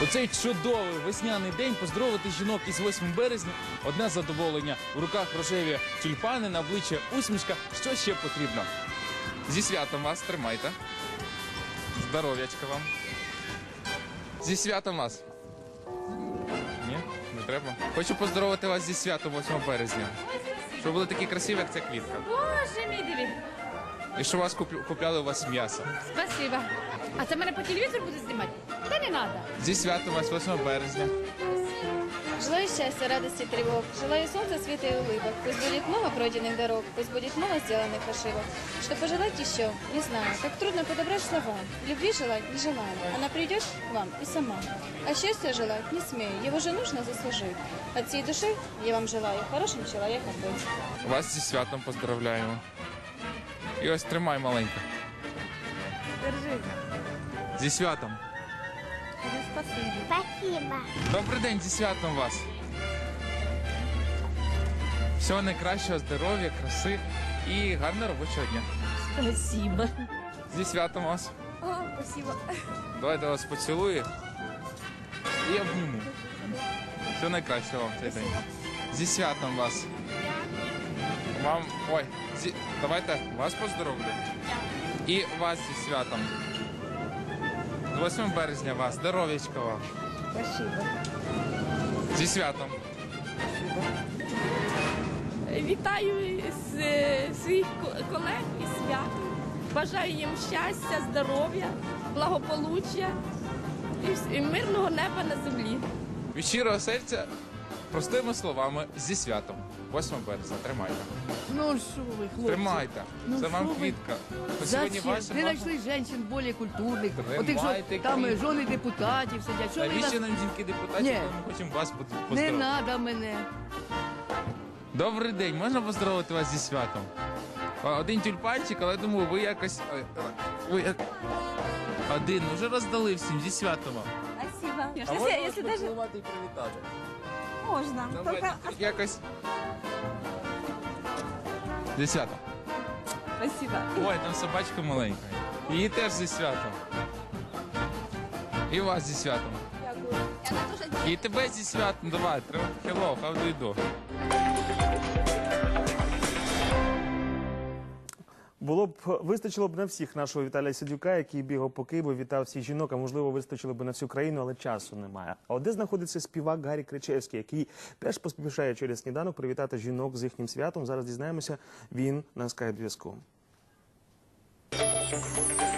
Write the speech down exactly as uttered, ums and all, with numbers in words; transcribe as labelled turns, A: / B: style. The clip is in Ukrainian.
A: У цей чудовий весняний день поздоровити жінок із восьмим березня – одне задоволення. В руках рожеві тюльпани, на обличчя усмішка. Що ще потрібно? Зі святом вас, тримайте. Здоров'ячка вам. Зі святом вас. Ні, не треба. Хочу поздоровити вас зі святом восьмого березня. Щоб ви були такі красиві, як ця квітка.
B: Боже мій диві.
A: І що вас куп- купляли у вас м'ясо.
B: Спасибо. А це мене по телевізору буде знімати? Та не треба.
A: Зі святом вас восьмого березня.
C: Желаю счастья, радости, тревог. Желаю солнца, света и улыбок. Пусть будет много пройденных дорог, пусть будет много сделанных ошибок. Что пожелать еще? Не знаю. Так трудно подобрать слова. Любви желать не желаю. Она придет к вам и сама. А счастья желать не смею. Его же нужно заслужить. От всей души я вам желаю хорошим человеком быть.
A: Вас зі святом поздравляємо. І ось тримай маленько.
B: Держи.
A: Зі святом.
B: Спасибо.
D: Спасибо.
A: Добрий день, зі святом вас. Всього найкращого, здоров'я, краси і гарного робочого дня.
B: Спасибо.
A: Зі святом вас.
B: О, спасибо.
A: Давайте вас поцілую і обніму. Всього найкращого вам в цей день. Зі святом вас. Вам, ой, зі... давайте вас поздоровлю. І вас зі святом. З восьмого березня вас. Здоров'ячка вам.
B: Спасибо.
A: Зі святом.
E: Вітаю з е, своїх ко- колег із святом. Бажаю їм щастя, здоров'я, благополуччя і вс- і мирного неба на землі.
A: Від щирого серця, простими словами, зі святом. восьмого березня. Тримайте.
F: Ну що ви, хлопці?
A: Тримайте.
F: Ну,
A: Це вам
F: що ви?
A: квітка. Ось сьогодні
F: Зачем?
A: ваша
F: Не
A: мама.
F: знайшли жінок більш культурних,
A: Тримайте
F: отих, що там
A: квітку.
F: жони депутатів сидять. Що ви
A: Навіщо
F: нас...
A: нам жінки депутатів,
F: Ні.
A: коли ми хочемо вас поз-
F: Не
A: поздоровити?
F: треба мене.
A: Добрий день, можна поздоровити вас зі святом? А, Один тюльпанчик, але думаю, ви якось... ой, ой, Ви як... Один, вже роздали всім, зі святом вам.
B: Спасибо.
A: А
B: Если,
A: можна
B: если
A: вас
B: даже
A: поцілувати і привітати?
B: можно.
A: Давайте,
B: Только...
A: якось... Зі святом.
B: Спасибо.
A: Ой, там собачка маленька. Її теж зі святом. І вас зі святом. І тебе зі святом. Давай, треба. Hello, how do you do?
G: Було б вистачило б на всіх нашого Віталія Сидюка, який бігав по Києву, вітав всіх жінок, а можливо вистачило б на всю країну, але часу немає. А от де знаходиться співак Гарі Кричевський, який теж поспішає через сніданок привітати жінок з їхнім святом. Зараз дізнаємося, він на скайп-зв'язку.